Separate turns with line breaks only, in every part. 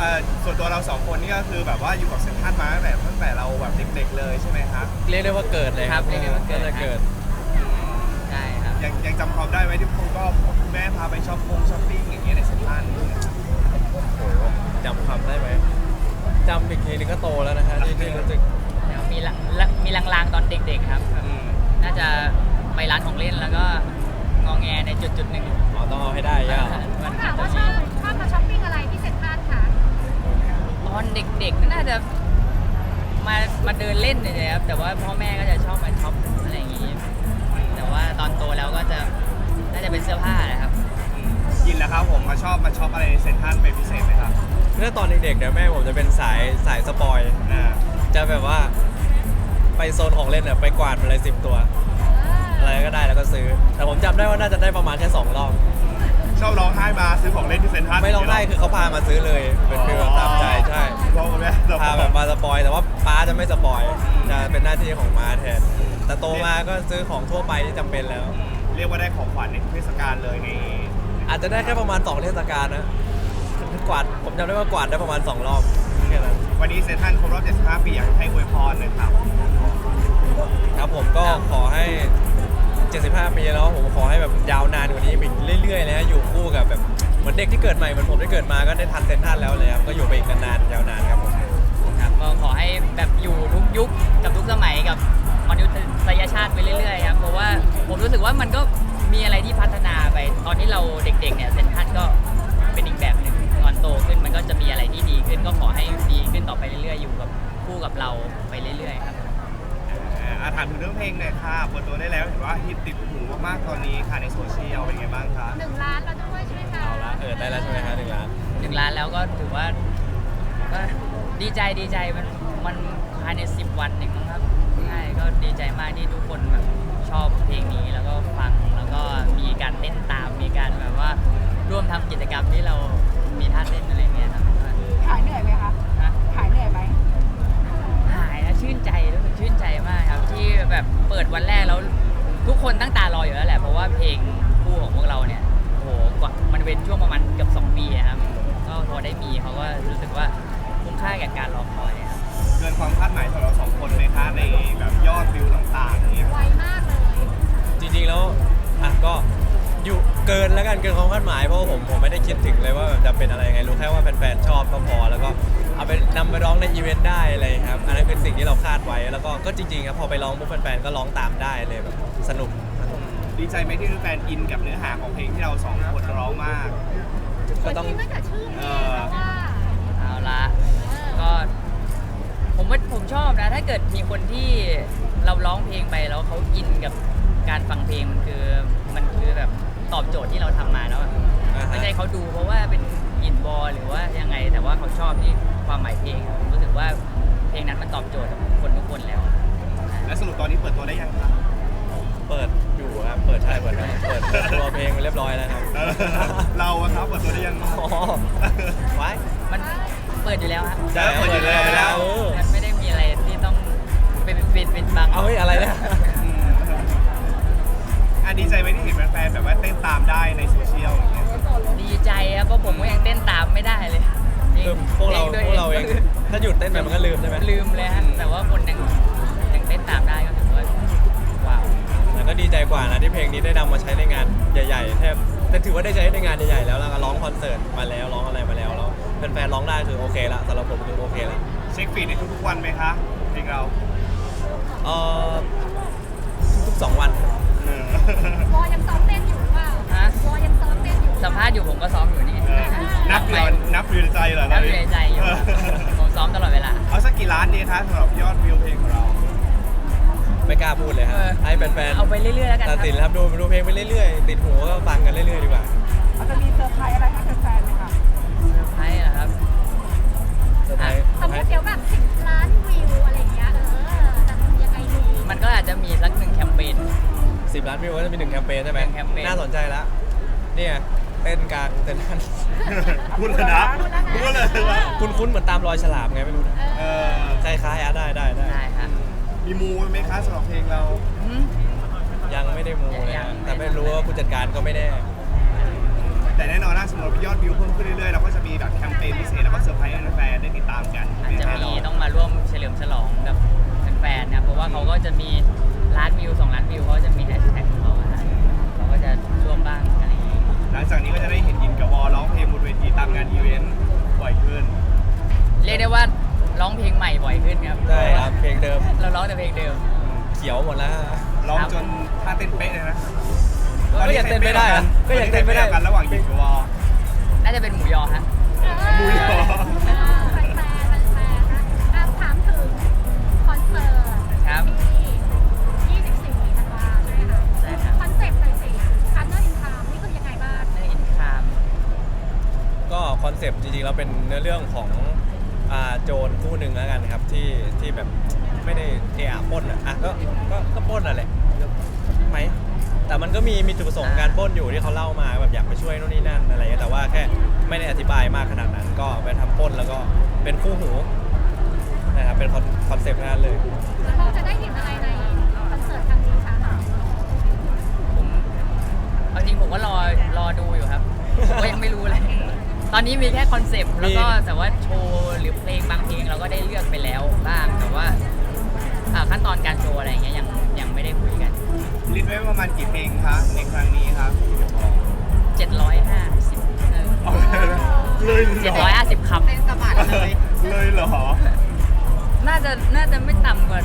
ส่วนตัวเราสองคนนี่ก็คือแบบว่าอยู่กับเซ็นทรัลมาตั้งแต่เราแบบเด็กๆเลยใช่ไหมครับ
เรียกได้ว่าเกิดเลยครับ
เรียกได้ว่าเกิด
จะเกิด
ใช่ครับ
ยังจำความได้ไหมที่คุณแม่พาไปช้อปปิ้งอย่างเงี้ยในเซ็นทรัลเนี่ยครับ
โอ้โหจำความได้ไหมจำอีกทีนึงก็โตแล้วนะฮะที่รู้สึก
แล้วมีลางๆตอนเด็กๆครับ น่าจะไปร้านของเล่นแล้วก็งอแงในจุดหนึ่ง
อ๋อต้องเอาให้ได้ย่า
มัน
ถามว่าชอบมาช้อปปิ้งอะไรที่เซ็นทรัลคะ
ตอนเด็กๆน่าจะมาเดินเล่นเนี่ยครับแต่ว่าพ่อแม่ก็จะชอบมาช็อปอะไรอย่างงี้ แต่ว่าตอนโตแล้วก็จะน่าจะเป็นเสื้อผ้านะครับ
ยินแล้วครับผมมาชอบอะไรในเซ็นทรัลเป็นพิเศษไหมครับ
เมื่อตอนเด็กๆเนี่ยแม่ผมจะเป็นสายสปอย
อ่า
จะแบบว่าไปโซนของเล่นเนี่ยไปกวาดมาเลย10 ตัว อะไรก็ได้แล้วก็ซื้อ แต่ผมจำได้ว่าน่าจะได้ประมาณแค่2 รอบ
ชอบร้องไห้มาซื้อของเล่นที่เซ็นทรัล
ไม่ร้องไห้คือเขาพามาซื้อเลยเป็นฟีลแบบตามใจใช่
พ่อกับแม่
พาแบบมาสปอยแต่ว่าป้าจะไม่สปอยจะเป็นหน้าที่ของม้าแทน แต่โตมาก็ซื้อของทั่วไปที่จำเป็นแล้ว
เรียกว่าได้ของขวัญในทุกเทศกาลเลยใน
อาจจะได้แค่ประมาณ2 เทศกาลนะกวาดผมจำได้ว่ากวาดได้ประมาณ2 รอบแค่นั้น
วันนี้เซ็นทรัลครบรอบ75 ปีอยากให้อวยพรหน่อยครับ
ครับผมก็ขอให้ 75 ปีแล้วผมขอให้แบบยาวนานกว่านี้อีกเรื่อยๆเลยฮะอยู่คู่กับแบบเหมือนเด็กที่เกิดใหม่เหมือนผมที่เกิดมาก็ได้ทันเซนทรัลแล้วเลยครับก็อยู่ไปอีกนานๆยาวนานครับผม
ครับก็ขอให้แบบอยู่ทุกยุคกับทุกสมัยกับมนุษยชาติไปเรื่อยๆครับเพราะว่าผมรู้สึกว่ามันก็มีอะไรที่พัฒนาไปตอนที่เราเด็กๆเนี่ยเซ็นทรัลก็เป็นอีกแบบหนึ่งตอนโตขึ้นมันก็จะมีอะไรที่ดีขึ้นก็ขอให้ดีขึ้นต่อไปเรื่อยๆอยู่กับคู่กับเราไปเรื่อยๆครับ
ถามถึงเรื่องเพลงหน่อยค่ะเปิดตัวได้แล้วเห็นว่าฮิตติดหูมากๆตอนนี้ค่ะในโซเชียลเป็นไงบ้างคะ
1 ล้านแล้วด้วยใช่ไหมคะ
เอาละได้แล้วใช่ไหมฮะ1 ล้าน
1 ล้านแล้วก็ถือว่าก็ดีใจมันภายใน10 วันเองมั้งครับใช่ก็ดีใจมากที่ทุกคนแบบชอบเพลงนี้แล้วก็ฟังแล้วก็มีการเต้นตามมีการแบบว่าร่วมทำกิจกรรมที่เรามีท่าเต้นอะไรเงี้ยครับ
หายเหนื่อยไหมคะ
นะ
หายเหนื่อยไหม
หายนะชื่นใจรู้สึกชื่นใจมากครับที่แบบเปิดวันแรกแล้วทุกคนตั้งตารออยู่แล้วแหละเพราะว่าเพลงคู่ของพวกเราเนี่ยโอ้โหกว่ามันเว้นช่วงประมาณเกือบ2 ปีอะครับก็พอได้มีเขาก็รู้สึกว่าคุ้มค่ากับการรอคอยอะครับ
เกินความคาดหมายของเราสองคนไหมคะในแบบยอดวิวต่างๆเนี่ย
ไวมากเลย
จริงๆแล้วก็อยู่เกินแล้วกันเกินความคาดหมายเพราะว่าผมไม่ได้คิดถึงเลยว่าแบบจะเป็นอะไรยังไงรู้แค่ว่าแฟนๆชอบก็พอแล้วก็เอาไปนำไปร้องในอีเวนต์ได้อะไรครับอันนั้นเป็นสิ่งที่เราคาดไว้แล้วก็จริงๆครับพอไปร้องปุ๊บแฟนๆก็ร้องตามได้เลยแบบสนุก
ดีใจไหมที่แฟนอินกับเนื้อหาของเพลงที่เราสองคนร้องมาก
ก็ต้อง
จริงๆตั้งแต่ชื่อเพลงแล้วว่า
เอาละก็ผมชอบนะถ้าเกิดมีคนที่เราร้องเพลงไปแล้วเขาอินกับการฟังเพลงมันคือแบบตอบโจทย์ที่เราทำมาแล้วอะ
อ่าฮะ
ไม่ใช่เขาดูเพราะว่าเป็นอินบอลหรือว่ายังไงแต่ว่าเขาชอบที่ความหมายเพลงอะผมรู้สึกว่าเพลงนั้นมันตอบโจทย์กับคนทุกคนแล้ว
และสรุปตอนนี้เปิดตัวได้ยังครับ
เปิดอยู่ครับเปิดตัวเพลงเรียบร้อยแล้วครับ
เราอะครับเปิดตัวได้ยัง
อ๋อไว้
มันเปิดอยู่แล้วฮะ
ใช่เปิดอยู่แล้ว
มันไม่ได้มีอะไรที่ต้องเป็นบัง
เอาเฮ้ยอะไรเนี่ย
ดีใจไหมที่เห็นแฟนๆแบบว่าเต้นตามได้ในโซเชียลอย่างเงี้ย
ดีใจครับเพราะผมก็ยังเต้นตามไม่ได้เลยจริง
คือพวกเราเองถ้าหยุดเต้นไปมันก็ลืมใช่ไหม
ลืมเลยฮะแต่ว่าคนยังเต้นตามได้ก็ถือว่าว้าว
แล้วก็ดีใจกว่านะที่เพลงนี้ได้นำมาใช้ในงานใหญ่ๆแทบแต่ถือว่าได้ใช้ในงานใหญ่ๆแล้วก็ร้องคอนเสิร์ตมาแล้วร้องอะไรมาแล้วแฟนๆร้องได้คือโอเคละสำหรับผมคือโอเคละ
เช็คฟีดในทุกๆวันไหมคะเพลงเรา
เอ่อทุกๆ2 วัน
วอยังซ้อมเต้นอยู่หรือเปล่า
ฮะ
วอยังซ้อมเต้นอยู่
สัมภาษณ์อยู่ผมก็ซ้อมอยู่นี่
นับอยู่ในใจเหรอ
นับอยู่ในใจอยู่ผมซ้อมตลอดเวลา
เอาสักกี่ล้านดีคะสำหรับยอดวิวเพลงของเรา
ไม่กล้าพูดเลยฮะ
เออ
ให้แฟนๆ
เอาไปเรื่อยๆแล้วกันค
ตั
รั
ดสินครับดูเพลงไปเรื่อยๆติดหูก็ฟังกันเรื่อยๆดีกว่า
เราจะมีเซอร์ไพรส์อะไรให้แฟนๆไหมคะ
เซอร์ไพรส์เหรอครับ
เซอร์ไพรส์
สมมติเดี๋ยวแบบ10 ล้านวิวอะไรอย่างเงี้ยจะทำยังไงดี
มันก็อาจจะมีสัก1 แคมเปญ
10 ล้านวิวก็จะมี1 แคมเปญใช่ไหม
1 แคมเปญ
น่าสนใจแล้วเนี่ยเต้นกลางเต้นนั่น
พูดเลยนะพูดเลยนะ
คุ้นๆเหมือนตามรอยฉลามไงไม่รู้นะ
เออ
คล้ายๆได้
ได้ฮะ
มีมูไหมคะสำหรับเพลงเรา
อืม
ยังไม่ได้มูเลย
ยัง
นะแต่ไม่รู้ว่าผู้จัดการก็ไม่แน่
แต่แน่นอนนะสมมติยอดวิวเพิ่มขึ้นเรื่อยๆเราก็จะมีแบบแคมเปญพิเศษแล้วก็เซอร์ไพรส์
ม่บ่อยขึ้นครับ
ใช่ครับเพลงเดิม
เราร้องแต่เพลงเดิม
เขียวหมดแล้วฮะ
ร้องจนท่าเต้นเป๊ะเลยนะ
ก็ยังเต้นไม่ได้อะก็ยังเต้นไม่ได้
กันระหว่างหยิบกับวอ
น่าจะเป็นหมูยอฮะ
บุยเหรอ
แฟนๆแฟนๆนะถามถึงคอนเสิร์ต
ครับ
ที่24ธันวาใช่ไหมคะ
ใช่ครับ
คอนเซ็ปต์หน่อยสิคันเนอร์อินทามนี่คือยังไงบ้าง
เนออินคาม
ก็คอนเซปต์จริงๆแล้วเป็นเนื้อเรื่องของโจรคู่หนึ่งแล้วกันครับที่แบบไม่ได้ปล้นอ่ะก็ปล้นอ่ะแหละไหมแต่มันก็มีจุดประสงค์การปล้นอยู่ที่เขาเล่ามาแบบอยากไปช่วยโน่นนี่นั่นอะไรเงี้ยแต่ว่าแค่ไม่ได้อธิบายมากขนาดนั้น ก็ไปทำปล้นแล้วก็เป็นคู่หูนะครับเป็นคอนเซปต์นั้นเลย
แล้วเราจะได้เห็นอะไรในคอนเสิร์ตครั้งนี้คะ
ผมเอาจริงผมก็รอดูอยู่ครับผมก็ยังไม่รู้เลย ตอนนี้มีแค่คอนเซปต์แล้วก็แต่ว่าโชว์หรือเพลงบางเพลงเราก็ได้เลือกไปแล้วบ้างแต่ว่าขั้นตอนการโชว์อะไรอย่างเงี้ยยังไม่ได้คุยกัน
ลิสต์ไว้ประมาณกี่เพลงคะในครั้งนี้ครับ
750
เลยเหรอ
750คำ
เป็นสะบัดเลย
เลยเหรอ
น่าจะไม่ต่ำกว่า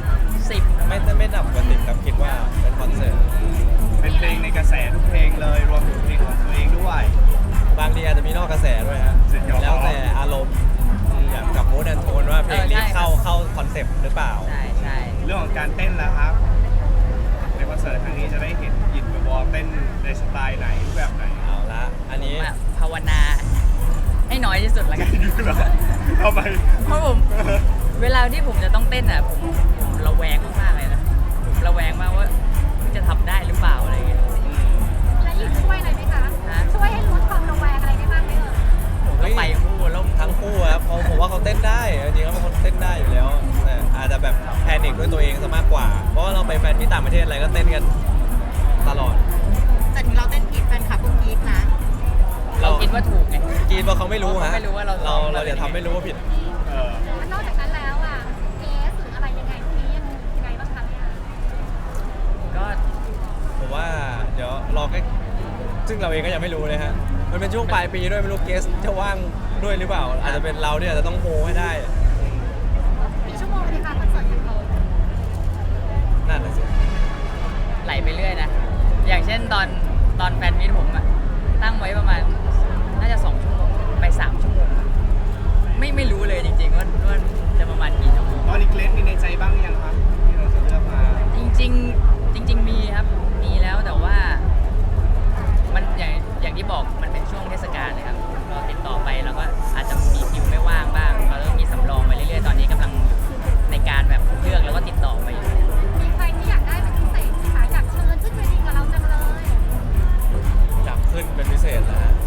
10
ไม่ดับกว่าติดครับคิดว่าเป็นคอนเสิร์ต
เป็นเพลงในกระแสทุกเพลงเลยรวมถึงเพลงของตัวเองด้วย
บางทีอาจจะมีนอกกระแสด้วยฮะ
สุดยอด
แล้วแต่อารมณ์อย่างกับมูดแอนโทนว่าเพลงนี้
ใช่
เข้าคอนเซปต์หรือเปล่า
ใช่
เรื่องของการเต้นแล้วครับในคอนเสิร์ตครั้งนี้จะได้เห็นหยินกับวอเต้นในสไตล์ไหนรูปแบบไหน
เอาละอันนี้
ผมภาวนาให้น้อยที่สุดละกัน
ทำไม
เพราะผมเวลาที่ผมจะต้องเต้นอ่ะผมระแวงมากๆเลยนะผมระแวงมากว่าจะทำได้หรือเปล่าอะไรอย่างเงี้ย
และยินช่วยอะไรไหมคะ
ฮะ
ช่วยให้ลดความระแวงอะไรได้บ้างไหมเอ่ย
ผมก็ไปคู่แล้ว
ทั้งคู่ครับผมว่าเขาเต้นได้จริงๆแล้วเป็นคนเต้นได้อยู่แล้วแต่อาจจะแบบแพนิคด้วยตัวเองซะมากกว่า เพราะว่าเราไปแฟนมีตต่างประเทศอะไรก็เต้นกันตลอด
แต่ถึงเราเต้นผิดแฟนคลับก็กรี๊ดนะ
เราคิดว่าถูกไง
กรีดเพราะเขาไม่รู้ฮะ
เขาไม่รู้ว่าเราซ้อม
เราจะทำไม่รู้ว่าผิด
เออ
แล้วนอกจากนั้นแล้วอ่ะเกสหรืออะไรยังไงพวกนี้ยังไงบ้างคะเนี่ย
ก็
ผมว่าเดี๋ยวรอแค่ซึ่งเราเองก็ยังไม่รู้เลยฮะมันเป็นช่วงปลายปีด้วยไม่รู้เกสจะว่างด้วยหรือเปล่า อาจจะเป็นเราเนี่ยอาจจะต้องโฮให้ได้
กี่ชั่วโมงเลยคะคอนเสิร์ตของเรา
นั่นน่ะสิ
ไหลไปเรื่อยนะ อย่างเช่นตอนแฟนมิตผมอะตั้งไว้ประมาณน่าจะ2 ชั่วโมงไป3 ชั่วโมงไม่รู้เลยจริงๆว่าจะประมาณกี่ชั่วโมง
ตอนนี้เกรซมีในใจบ้างหรือยังครับที่เราจะเลือกมา
จริงมีครับมีแล้วแต่ว่ามันอย่างที่บอกมันเป็นช่วงเทศกาลนะครับเราติดต่อไปแล้วก็อาจจะมีคิวไม่ว่างบ้างเราต้องมีสำรองไปเรื่อยๆตอนนี้กำลังในการแบบเลือกแล้วก็ติดต่อไปอยู่
มีใครที่อยากได้เป็นพิเศษไหมคะอยากเชิญขึ้นเวทีกับเราจังเลย
อยากขึ้นเป็นพิเศษนะฮะ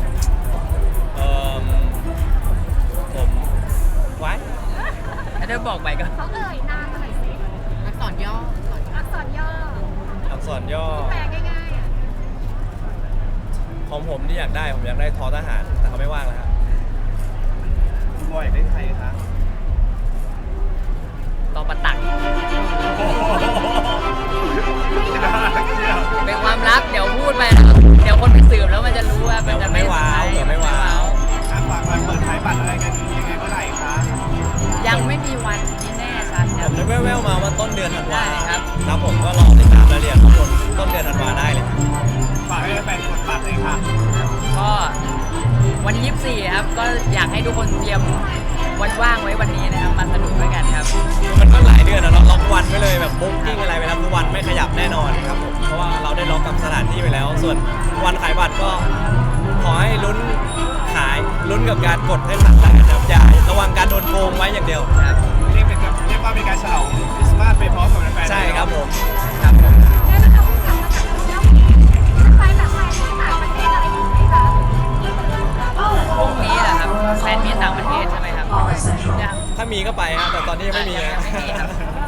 ผมไว้
ถ้าได้บอกไปก็
เขาเอ่ยนามอะไรสิ
อักษรย่อ
อักษรย่อ
อักษรย่อ
แปลง่ายๆอ่ะ
ของผมที่อยากได้ผมอยากได้ทอทหาร แต่เขาไม่ว่างแล้วครับ
คุณบอยอยากได้ใครคะ
ต่อประตัก เป็นความลับเดี๋ยวพูดไปนะครับเดี๋ยวคนไปสืบแล้วมันจะรู้ว่ามันจะไม่
เดี๋ยวไม่ว้าว
ใช่
เดี๋ยวไม่ว้าว
ฝากวันเปิดขายบัตรอะไรกันยังไงเมื่อไหร่คะ
ยังไม่มีวันที่แน่ชัดค
ผ
รับ
มได้แว่วๆมาว่าต้นเดือนธันวา
ได้ครับ
ครับผมก็รอติดตามรายละเอียดทั้งหมดต้นเดือนธันวาได้เลยครับ
ฝากให้แฟนๆกดบัตรเลยค่ะ
ก็วันที่24ครับก็อยากให้ทุกคนเตรียมวันว่างไว้วันนี้นะครับมาสนุกด้วยกันครับ
มันก็หลายเดือนนะเราล็อกวันไว้เลยแบบบุ๊กกิ้งอะไรไปแล้วทุกวันไม่ขยับแน่นอนครับผมเพราะว่าเราได้ล็อกกับสถานที่ไปแล้ว ส่วนวันขายบัตรก็ขอให้ลุ้นขายลุ้นกับการกดให้ทันแล้วกันนะครับอย่าระวังการโดนโกงไว้อย่างเดียว
ครับ
เรียกว่าเป็นการฉลองคริสต์มาสไปพร้อมกับแฟนๆ
ใช่ครับผม
ครับผม
ได้ไหมคะกลับมาจากเที่ยวจะไปแบบไปที่ต่างประเทศอะไรอีกไหมคะ
พรุ่งนี้แหละครับแฟนมีตต่างประเทศใช่ไหมครับยัง
ถ้ามีก็ไปฮะแต่ตอนนี้ยังไม่มี
ยัง
นะ
ไม่มีครับ